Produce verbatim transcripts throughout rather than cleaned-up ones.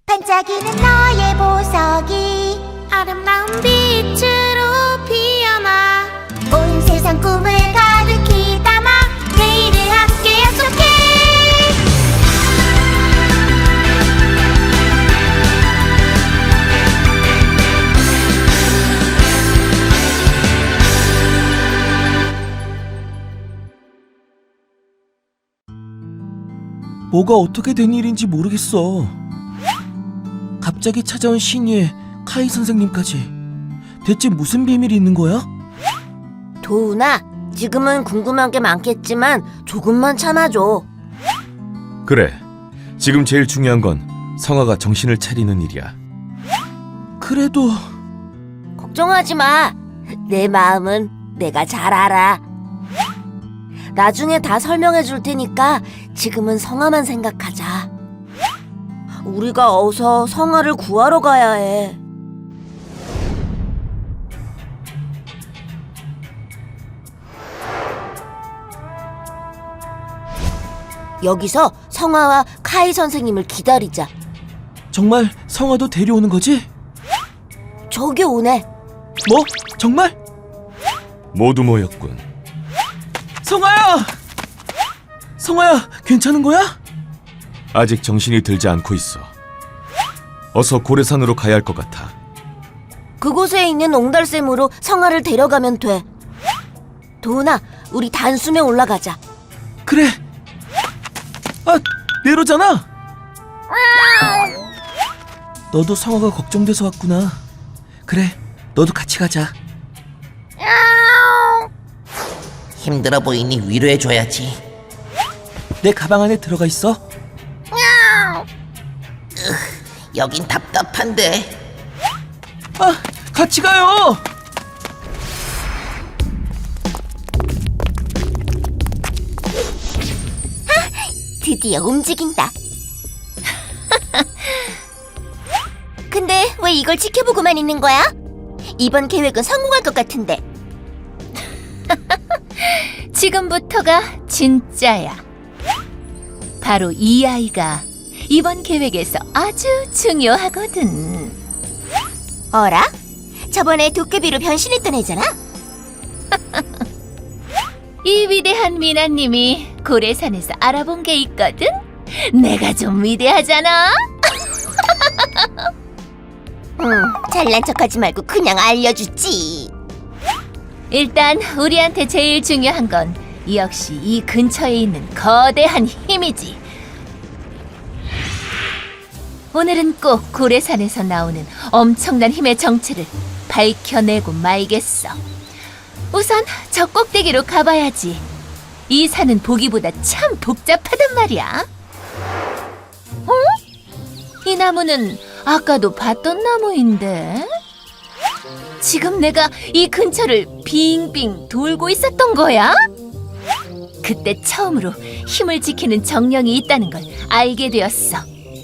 반짝이는 너의 보석이 아름다운 빛으로 피어나 온 세상 꿈을 가득히 담아 내일을 함께 약속해. 뭐가 어떻게 된 일인지 모르겠어. 갑자기 찾아온 신이의 카이 선생님까지. 대체 무슨 비밀이 있는 거야? 도훈아, 지금은 궁금한 게 많겠지만 조금만 참아줘. 그래, 지금 제일 중요한 건 성아가 정신을 차리는 일이야. 그래도 걱정하지 마. 내 마음은 내가 잘 알아. 나중에 다 설명해 줄 테니까 지금은 성아만 생각하자. 우리가 어서 성아를 구하러 가야 해. 여기서 성아와 카이 선생님을 기다리자. 정말 성아도 데려오는 거지? 저기 오네. 뭐? 정말? 모두 모였군. 성아야! 성아야, 괜찮은 거야? 아직 정신이 들지 않고 있어. 어서 고래산으로 가야 할 것 같아. 그곳에 있는 옹달샘으로 성아를 데려가면 돼. 도훈아, 우리 단숨에 올라가자. 그래. 아, 내로잖아. 너도 성아가 걱정돼서 왔구나. 그래, 너도 같이 가자. 힘들어 보이니 위로해줘야지. 내 가방 안에 들어가 있어. 여긴 답답한데. 아, 같이 가요. 드디어 움직인다. 근데 왜 이걸 지켜보고만 있는 거야? 이번 계획은 성공할 것 같은데. 지금부터가 진짜야. 바로 이 아이가 이번 계획에서 아주 중요하거든. 어라? 저번에 도깨비로 변신했던 애잖아? 이 위대한 미나님이 고래산에서 알아본 게 있거든? 내가 좀 위대하잖아? 응, 잘난 척하지 말고 그냥 알려주지. 일단 우리한테 제일 중요한 건 역시 이 근처에 있는 거대한 힘이지. 오늘은 꼭 고래산에서 나오는 엄청난 힘의 정체를 밝혀내고 말겠어. 우선 저 꼭대기로 가봐야지. 이 산은 보기보다 참 복잡하단 말이야. 어? 이 나무는 아까도 봤던 나무인데? 지금 내가 이 근처를 빙빙 돌고 있었던 거야? 그때 처음으로 힘을 지키는 정령이 있다는 걸 알게 되었어.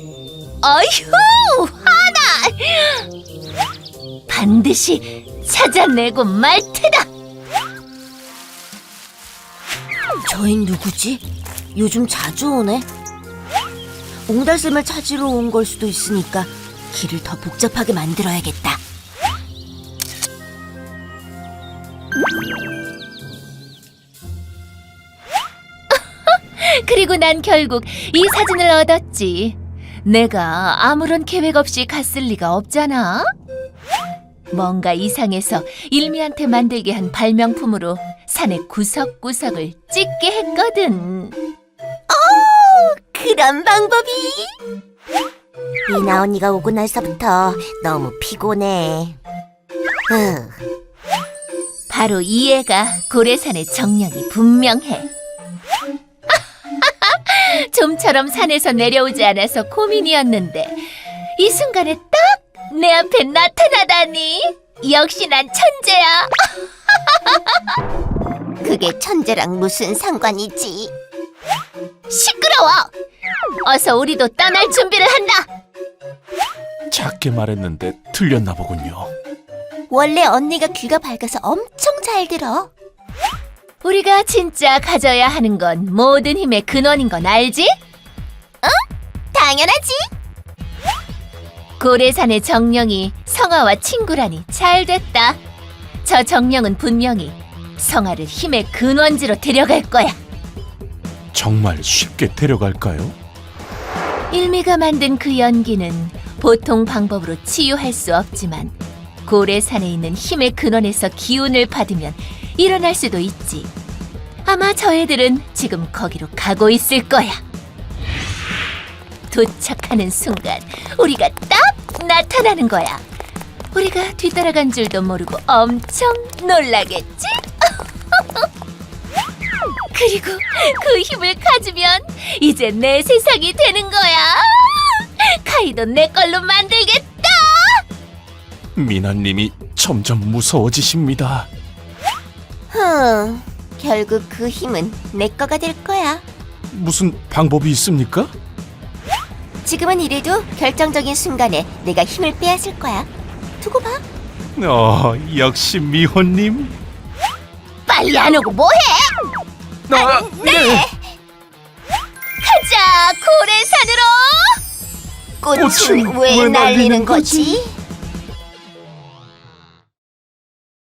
어휴! 화나! 반드시 찾아내고 말 테다! 저흰 누구지? 요즘 자주 오네. 옹달샘을 찾으러 온 걸 수도 있으니까 길을 더 복잡하게 만들어야겠다. 그리고 난 결국 이 사진을 얻었지. 내가 아무런 계획 없이 갔을 리가 없잖아. 뭔가 이상해서 일미한테 만들게 한 발명품으로 산의 구석구석을 찍게 했거든. 그런 방법이? 미나 언니가 오고 나서부터 너무 피곤해. 으, 바로 이 애가 고래산의 정령이 분명해. 좀처럼 산에서 내려오지 않아서 고민이었는데 이 순간에 딱 내 앞에 나타나다니. 역시 난 천재야. 그게 천재랑 무슨 상관이지? 시끄러워. 어서 우리도 떠날 준비를 한다. 작게 말했는데 틀렸나 보군요. 원래 언니가 귀가 밝아서 엄청 잘 들어. 우리가 진짜 가져야 하는 건 모든 힘의 근원인 건 알지? 당연하지. 고래산의 정령이 성아와 친구라니 잘 됐다. 저 정령은 분명히 성아를 힘의 근원지로 데려갈 거야. 정말 쉽게 데려갈까요? 일미가 만든 그 연기는 보통 방법으로 치유할 수 없지만 고래산에 있는 힘의 근원에서 기운을 받으면 일어날 수도 있지. 아마 저 애들은 지금 거기로 가고 있을 거야. 도착하는 순간 우리가 딱 나타나는 거야. 우리가 뒤따라간 줄도 모르고 엄청 놀라겠지? 그리고 그 힘을 가지면 이제 내 세상이 되는 거야. 카이도 내 걸로 만들겠다. 미나님이 점점 무서워지십니다. 흠, 결국 그 힘은 내 거가 될 거야. 무슨 방법이 있습니까? 지금은 이래도 결정적인 순간에 내가 힘을 빼앗을 거야. 두고 봐. 어, 역시 미호님. 빨리 안 오고 뭐해? 아, 네. 가자, 고래산으로. 꽃은 꽃은 왜 왜 날리는 날리는 거지?